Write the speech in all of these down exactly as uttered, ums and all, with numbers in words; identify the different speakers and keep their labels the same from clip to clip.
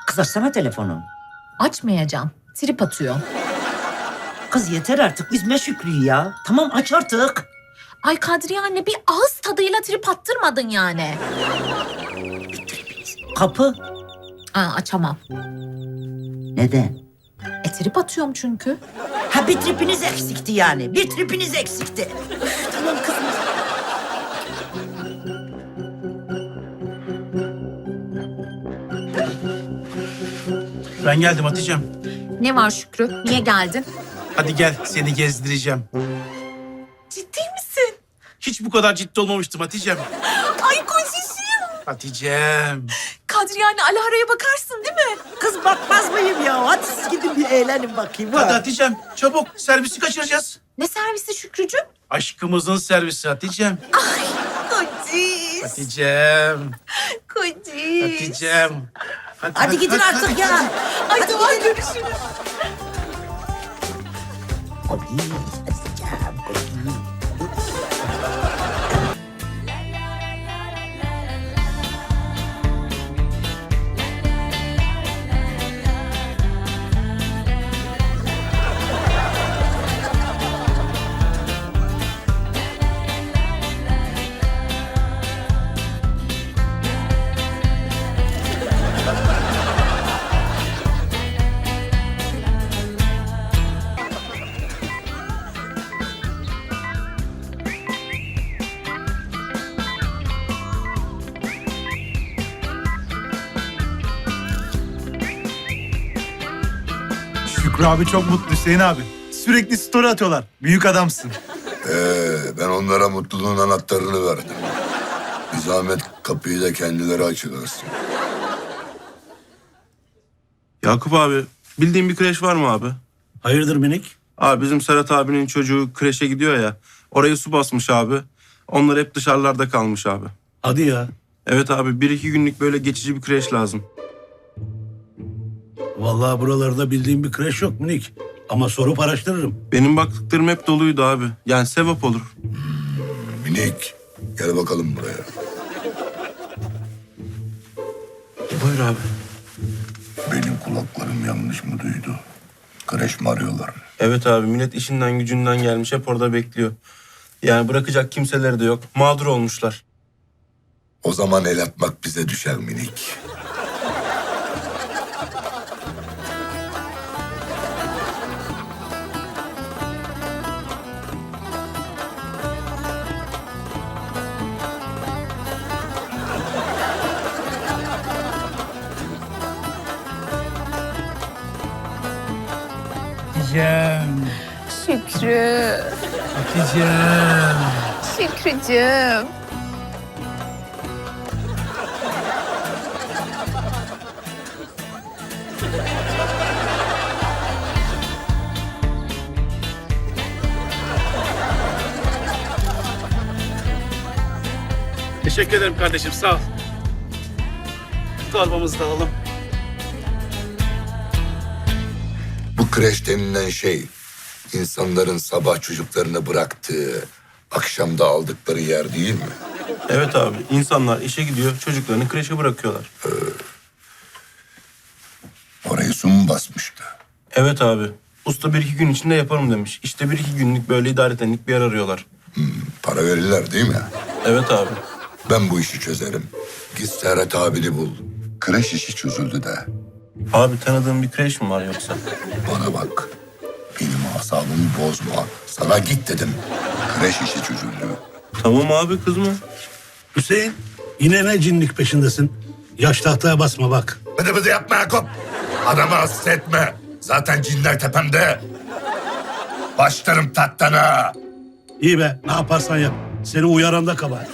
Speaker 1: Kız açsana telefonu.
Speaker 2: Açmayacağım. Trip atıyor.
Speaker 1: Kız yeter artık üzme Şükrü'yü ya. Tamam aç artık.
Speaker 2: Ay Kadriye anne bir ağız tadıyla trip attırmadın yani.
Speaker 1: Kapı.
Speaker 2: Aa, açamam.
Speaker 1: Neden?
Speaker 2: E trip atıyorum çünkü.
Speaker 1: Ha bir tripiniz eksikti yani. Bir tripiniz eksikti. Üf, tamam kızım.
Speaker 3: Ben geldim Hatice'm.
Speaker 2: Ne var Şükrü? Niye geldin?
Speaker 3: Hadi gel seni gezdireceğim.
Speaker 2: Ciddi misin?
Speaker 3: Hiç bu kadar ciddi olmamıştım Hatice'm.
Speaker 2: Ay kocacığım.
Speaker 3: Hatice'm.
Speaker 2: Kadriye anne Alara'ya bakarsın değil mi?
Speaker 1: Kız bakmaz mıyım ya? Hadi siz gidin bir eğlenin bakayım.
Speaker 3: Hadi
Speaker 1: ha.
Speaker 3: Hatice'm çabuk servisi kaçıracağız.
Speaker 2: Ne servisi Şükrücüğüm?
Speaker 3: Aşkımızın servisi Hatice'm.
Speaker 2: Kociş.
Speaker 3: Hatice'm.
Speaker 2: Kociş.
Speaker 3: Hatice'm.
Speaker 1: Hadi gidin artık ya.
Speaker 2: Ay tamam görüşürüz.
Speaker 1: Hadi, hadi canım, hadi.
Speaker 4: Şükrü abi çok mutlu Hüseyin abi. Sürekli story atıyorlar. Büyük adamsın.
Speaker 5: Ee, ben onlara mutluluğun anahtarını verdim. Bir zahmet kapıyı da kendileri açıverirsin.
Speaker 6: Yakup abi, bildiğin bir kreş var mı abi?
Speaker 7: Hayırdır minik?
Speaker 6: Abi bizim Serhat abinin çocuğu kreşe gidiyor ya. Orayı su basmış abi. Onlar hep dışarılarda kalmış abi.
Speaker 7: Hadi ya.
Speaker 6: Evet abi, bir iki günlük böyle geçici bir kreş lazım.
Speaker 7: Vallahi buralarda bildiğim bir kreş yok minik. Ama sorup araştırırım.
Speaker 6: Benim baktıklarım hep doluydu abi. Yani sevap olur.
Speaker 5: Minik, gel bakalım buraya.
Speaker 6: Buyur abi.
Speaker 5: Benim kulaklarım yanlış mı duydu? Kreş mi arıyorlar?
Speaker 6: Evet abi, millet işinden gücünden gelmiş, hep orada bekliyor. Yani bırakacak kimseleri de yok. Mağdur olmuşlar.
Speaker 5: O zaman el atmak bize düşer minik.
Speaker 3: Hatice'm.
Speaker 2: Şükrü.
Speaker 3: Hatice'm.
Speaker 2: Şükrücüğüm.
Speaker 3: Teşekkür ederim kardeşim sağ ol. Torbamızı da alalım.
Speaker 5: Bu kreş denilen şey, insanların sabah çocuklarını bıraktığı, akşamda aldıkları yer değil mi?
Speaker 6: Evet abi, insanlar işe gidiyor, çocuklarını kreşe bırakıyorlar.
Speaker 5: Orayı su mu basmıştı?
Speaker 6: Evet abi, usta bir iki gün içinde yaparım demiş. İşte bir iki günlük böyle idaretenlik bir yer arıyorlar.
Speaker 5: Para verirler değil mi?
Speaker 6: Evet abi.
Speaker 5: Ben bu işi çözerim. Git Serhat abini bul. Kreş işi çözüldü de.
Speaker 6: Abi tanıdığın bir kreş mi var yoksa?
Speaker 5: Bana bak. Benim asabımı bozma. Sana git dedim. Kreş işi çözüldü.
Speaker 6: Tamam abi, kızma.
Speaker 7: Hüseyin, yine ne cinlik peşindesin? Yaş tahtaya basma bak.
Speaker 5: Bıdı bıdı yapma Yakup. Adamı hasta etme. Zaten cinler tepemde. Başlarım tahtana.
Speaker 7: İyi be, ne yaparsan yap. Seni uyaran da kabahat.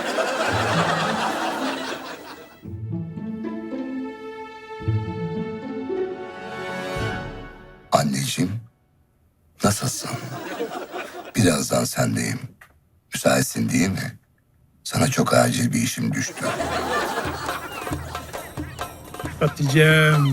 Speaker 5: Anneciğim, nasılsın? Birazdan sendeyim. Müsaitsin değil mi? Sana çok acil bir işim düştü.
Speaker 3: Hatice'm.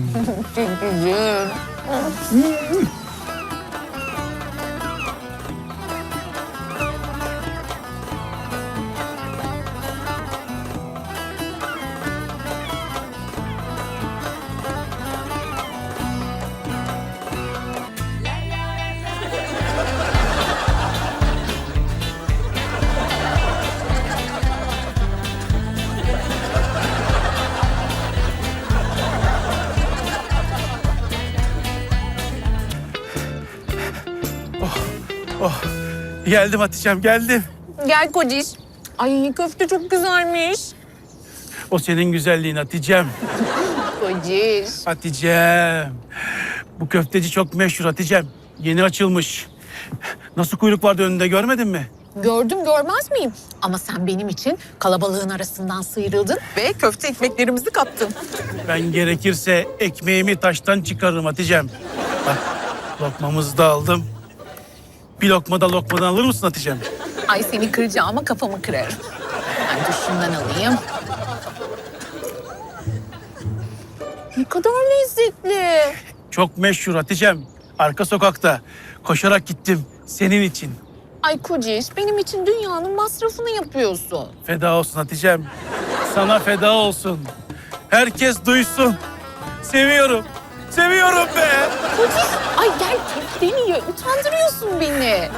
Speaker 3: Oh, geldim Hatice'm, geldim.
Speaker 2: Gel kociş. Ay köfte çok güzelmiş.
Speaker 3: O senin güzelliğin Hatice'm.
Speaker 2: Kociş.
Speaker 3: Hatice'm. Bu köfteci çok meşhur Hatice'm. Yeni açılmış. Nasıl kuyruk vardı önünde, görmedin mi?
Speaker 2: Gördüm görmez miyim? Ama sen benim için kalabalığın arasından sıyrıldın ve köfte ekmeklerimizi kaptın.
Speaker 3: Ben gerekirse ekmeğimi taştan çıkarırım Hatice'm. Bak, lokmamızı da aldım. Bir lokma da lokmadan alır mısın Hatice'm?
Speaker 2: Ay seni kıracağıma kafamı kırarım. Ben dur şundan alayım. Ne kadar lezzetli.
Speaker 3: Çok meşhur Hatice'm. Arka sokakta. Koşarak gittim senin için.
Speaker 2: Ay Kociş, benim için dünyanın masrafını yapıyorsun.
Speaker 3: Feda olsun Hatice'm. Sana feda olsun. Herkes duysun. Seviyorum. Seviyorum be.
Speaker 2: Kociş, ay gel köfteni ye. Utandırıyorsun beni.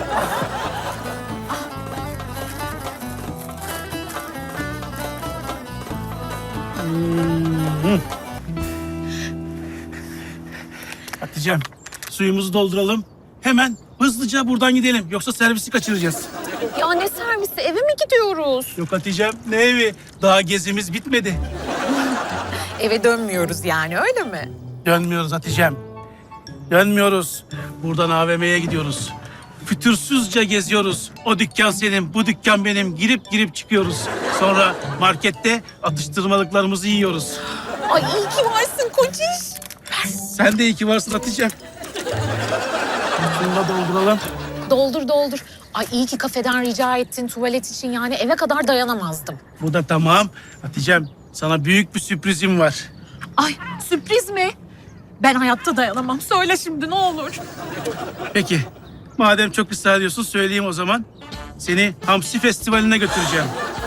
Speaker 3: Hatice'm, suyumuzu dolduralım. Hemen hızlıca buradan gidelim. Yoksa servisi kaçıracağız.
Speaker 2: Ya ne servisi, eve mi gidiyoruz?
Speaker 3: Yok Hatice'm, ne evi? Daha gezimiz bitmedi.
Speaker 2: Eve dönmüyoruz yani, öyle mi?
Speaker 3: Dönmüyoruz Hatice'm. Dönmüyoruz. Buradan A V M'ye gidiyoruz. Fütursuzca geziyoruz. O dükkan senin, bu dükkan benim. Girip girip çıkıyoruz. Sonra markette atıştırmalıklarımızı yiyoruz.
Speaker 2: Ay iyi ki varsın Kociş.
Speaker 3: Sen de iyi ki varsın Hatice'm. Şunu da dolduralım.
Speaker 2: Doldur doldur. Ay iyi ki kafeden rica ettin tuvalet için, yani eve kadar dayanamazdım.
Speaker 3: Bu da tamam. Hatice'm, sana büyük bir sürprizim var.
Speaker 2: Ay sürpriz mi? Ben hayatta dayanamam. Söyle şimdi ne olur.
Speaker 3: Peki, madem çok ısrar ediyorsun söyleyeyim o zaman. Seni Hamsi Festivali'ne götüreceğim.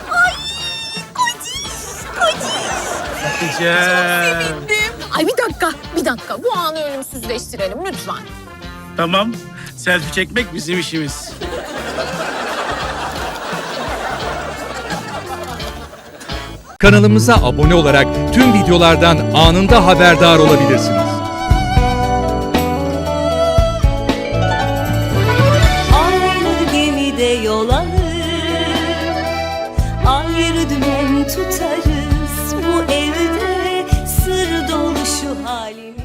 Speaker 3: Hatice'm.
Speaker 2: Ay bir dakika, bir dakika. Bu anı ölümsüzleştirelim lütfen.
Speaker 3: Tamam, selfie çekmek bizim işimiz.
Speaker 8: Kanalımıza abone olarak tüm videolardan anında haberdar olabilirsiniz.
Speaker 9: Aynı gemide yol alır, ayrı dümen tutarız. Bu evde sır dolu şu halimiz.